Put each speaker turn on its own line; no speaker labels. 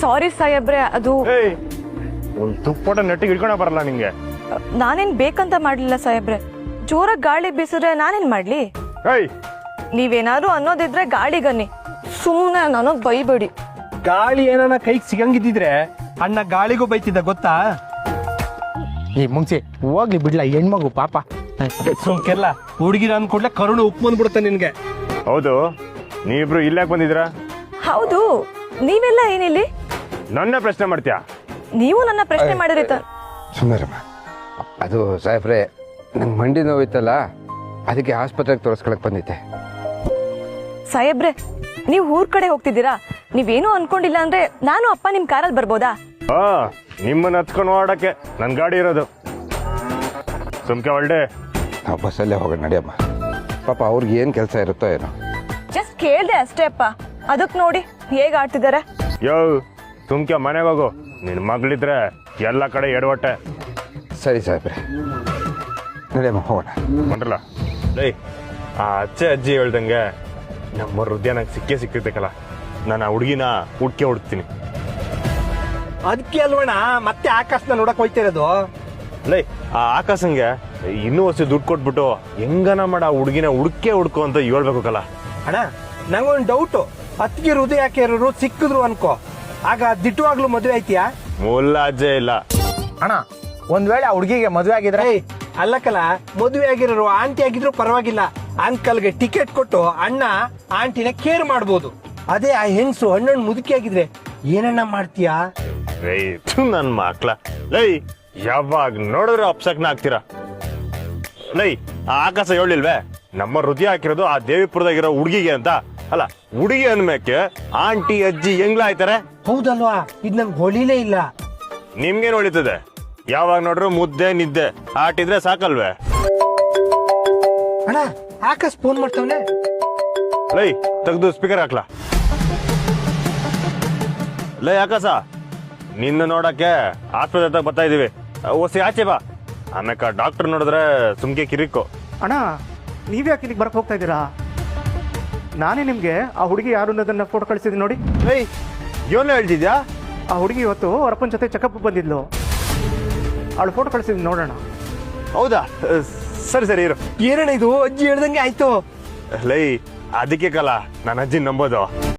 ಸಾರಿ ಸಾಹೇಬ್ರೆ, ಅದು
ಒಂದು ತುಪ್ಪಟ ನೆಟ್ಟಿಗೆ ಇಟ್ಕೊಳ ಬರಲ್ಲ ನಿಂಗೆ.
ನಾನೇನ್ ಬೇಕಂತ ಮಾಡ್ಲಿಲ್ಲ ಸಾಹೇಬ್ರೆ. ಜೋರಾಗಿ ಗಾಳಿ ಬೀಸಿದ್ರೆ ನಾನೇನ್ ಮಾಡ್ಲಿ? ನೀವೇನಾದ್ರು ಅನ್ನೋದಿದ್ರೆ ಗಾಳಿಗನ್ನಿ, ಸುಮ್ಮನೆ ನನಗ್ ಬೈಬೇಡಿ.
ಗಾಳಿ ಏನಾನ ಕೈಗೆ ಸಿಗಂಗಿದ್ದಿದ್ರೆ ಅಣ್ಣ ಗಾಳಿಗೂ ಬೈತಿದ್ದ ಗೊತ್ತಾ?
ಈ ಮುಂಚೆ ಹೋಗ್ಲಿ ಬಿಡ್ಲ, ಹೆಣ್ಮಗು ಪಾಪ.
ಸುಮ್ಕೆಲ್ಲ ಹುಡುಗಿರ ಅಂದ್ಕೊಡ್ಲೆ ಕರುಣು ಉಪ್ಪು ಬಂದ್ಬಿಡುತ್ತೆ ನಿನ್ಗೆ.
ಹೌದು, ನೀವಿಬ್ರು ಇಲ್ಲಾಕ್ ಬಂದಿದ್ರಾ?
ಹೌದು, ನೀವೆಲ್ಲ ಏನಿಲ್ಲಿ?
ನನ್ನ ಪ್ರಶ್ನೆ ಮಾಡ್ತೀಯಾ?
ನೀವು ನನ್ನ ಪ್ರಶ್ನೆ ಮಾಡಿರಿತ.
ಸುಮ್ಮರಮ್ಮ, ಅದು ಸಾಹೇಬ್ರೆ, ನಂಗೆ ಮಂಡಿ ನೋವಿತ್ತಲ್ಲ, ಅದಕ್ಕೆ ಆಸ್ಪತ್ರೆಗೆ ತೋರಿಸ್ಕೊಳಕ್ ಬಂದಿದ್ದೆ.
ಸಾಹೇಬ್ರೆ, ನೀವು ಊರ್ ಕಡೆ ಹೋಗ್ತಿದ್ದೀರಾ? ನೀವೇನು ಅನ್ಕೊಂಡಿಲ್ಲ ಅಂದ್ರೆ ನಾನು ಅಪ್ಪ ನಿಮ್ ಕಾರಲ್ಲಿ ಬರ್ಬೋದಾ?
ನಿಮ್ಮನ್ನ ಹತ್ಕೊಂಡು ಓಡಕ್ಕೆ ನನ್ ಗಾಡಿ ಇರೋದು. ಸುಮ್ಕೆ ಒಳ್ಳೆ
ನಾವು ಬಸ್ಸಲ್ಲೇ ಹೋಗೋಣ ನಡಿಯಮ್ಮ. ಪಾಪ ಅವ್ರಿಗೆ ಏನು ಕೆಲಸ ಇರುತ್ತೋ ಏನೋ.
ಜಸ್ಟ್ ಕೇಳ್ದೆ ಅಷ್ಟೇ ಅಪ್ಪ. ಅದಕ್ ನೋಡಿ ಹೇಗ್ ಆಡ್ತಿದಾರೆ.
ಸುಮ್ಕೆ ಮನೆಗೆ ಹೋಗು, ನಿನ್ ಮಗಳಿದ್ರೆ ಎಲ್ಲ ಕಡೆ ಎಡವಟ್ಟೆ.
ಸರಿ ಸಾಹೇಬ್ರೆ, ನಡಿಯಮ್ಮ ಹೋಗೋಣ.
ಬಂದ್ರಲ್ಲ ಲೈ, ಆ ಅಜ್ಜೆ ಅಜ್ಜಿ ಹೇಳ್ದಂಗೆ ನಮ್ಮ ಹೃದಯ ನಂಗೆ ಸಿಕ್ಕಿರ್ತೈತಲ್ಲ, ನಾನು ಆ ಹುಡುಗಿನ ಹುಡ್ತೀನಿ.
ಅದಕ್ಕೆ ಅಲ್ವಣ ಮತ್ತೆ ಆಕಾಶನ ನೋಡಕ್ ಹೋಯ್ತಿರೋದು.
ಲೈ, ಆ ಆಕಾಶಂಗೆ ಇನ್ನೂ ವರ್ಷ ದುಡ್ಡು ಕೊಟ್ಬಿಟ್ಟು ಹೆಂಗನ ಮಾಡ ಆ ಹುಡುಗಿನ ಹುಡ್ಕೋ ಅಂತ ಹೇಳ್ಬೇಕಲ್ಲ.
ಅಣ್ಣ, ನಂಗೊಂದು ಡೌಟು. ಅತ್ತಿಗೆ ಹೃದಯ ಯಾಕೆ ಇರೋರು ಸಿಕ್ಕಿದ್ರು ಅನ್ಕೋ, ಆಗ ದಿಟ್ಟವಾಗ್ಲೂ ಮದುವೆ ಆಯ್ತೀಯಾ?
ಮೂಲ ಅಜ್ಜೆ ಇಲ್ಲ
ಅಣ್ಣ, ಒಂದ್ ವೇಳೆ ಆ ಹುಡುಗಿಗೆ ಮದುವೆ ಆಗಿದ್ರೆ?
ಅಲ್ಲಕ್ಕಲ್ಲ, ಮದುವೆ ಆಗಿರೋರು ಆಂಟಿ ಆಗಿದ್ರು ಪರವಾಗಿಲ್ಲ, ಅಂಕಲ್ಗೆ ಟಿಕೆಟ್ ಕೊಟ್ಟು ಅಣ್ಣ ಆಂಟಿನ ಕೇರ್ ಮಾಡ್ಬೋದು. ಅದೇ ಆ ಹೆಂಗ್ಸು ಹಣ್ಣು ಮುದುಕಿ ಆಗಿದ್ರೆ ಏನಣ್ಣ ಮಾಡ್ತೀಯಾ?
ನನ್ ಮಕ್ಳ ಲೈ, ಯಾವಾಗ ನೋಡಿದ್ರೆ ಅಪ್ಸಕ್ನ ಆಗ್ತೀರಾ. ಲೈ, ಆ ಆಕಾಶ ಹೇಳಿಲ್ವೇ ನಮ್ಮ ಹೃದಯ ಹಾಕಿರೋದು ಆ ದೇವಿಪುರದಾಗಿರೋ ಹುಡುಗಿಗೆ ಅಂತ? ಅಲ್ಲ, ಹುಡುಗಿ ಅಂದ್ಮೇಕೆ ಆಂಟಿ ಅಜ್ಜಿ ಹೆಂಗ್ಲ ಆಯ್ತಾರೆ?
ಹೌದಲ್ವಾ? ಇದ್ ನಂಗೆ ಹೊಳಿಲೇ ಇಲ್ಲ.
ನಿಮ್ಗೇನ್ ಹೊಳಿತದೆ? ಯಾವಾಗ ನೋಡ್ರು ಮುದ್ದೆ ನಿದ್ದೆ ಆಟಿದ್ರೆ ಸಾಕಲ್ವೇ?
ಅಣ್ಣ, ಆಕಾಶ್ ಫೋನ್ ಮಾಡ್ತಾವನೆ.
ಲೈ, ತೆಗ್ದು ಸ್ಪೀಕರ್ ಹಾಕ್ಲಾ. ಲೈ ಆಕಾಶ, ನಿನ್ನ ನೋಡಕ್ಕೆ ಆಸ್ಪತ್ರೆ ಹತ್ರ ಬರ್ತಾ ಇದೀವಿ, ಓಸಿ ಆಚೆ ಬಾ. ಆಮೇಲೆ ಡಾಕ್ಟರ್ ನೋಡಿದ್ರೆ ಸುಮ್ಕೆ ಕಿರಿಕೋ.
ಅಣ್ಣ, ನೀವ್ಯಾಕೆ ಇಲ್ಲಿಗೆ ಬರಕ್ ಹೋಗ್ತಾ ಇದ್ದೀರಾ? ನಾನೇ ನಿಮ್ಗೆ ಆ ಹುಡುಗಿ ಯಾರು ಅನ್ನೋದನ್ನ ಫೋಟೋ ಕಳಿಸಿದ್ದೀನಿ ನೋಡಿ.
ಲೈ, ಏನು ಹೇಳ್ತಿದ್ಯಾ?
ಆ ಹುಡುಗಿ ಇವತ್ತು ಅವ್ರ ಅಪ್ಪನ ಜೊತೆ ಚೆಕಪ್ ಬಂದಿದ್ಲು. ಅವಳು ಫೋಟೋ ಕಳಿಸಿದ್ದೀನಿ ನೋಡೋಣ.
ಹೌದಾ? ಸರಿ ಸರಿ ಇರು.
ಏನಣ್ಣ ಇದು? ಅಜ್ಜಿ ಹೇಳ್ದಂಗೆ ಆಯ್ತು.
ಲೈ, ಅದಕ್ಕೆ ಕಲ ನನ್ನ ಅಜ್ಜಿ ನಂಬೋದು.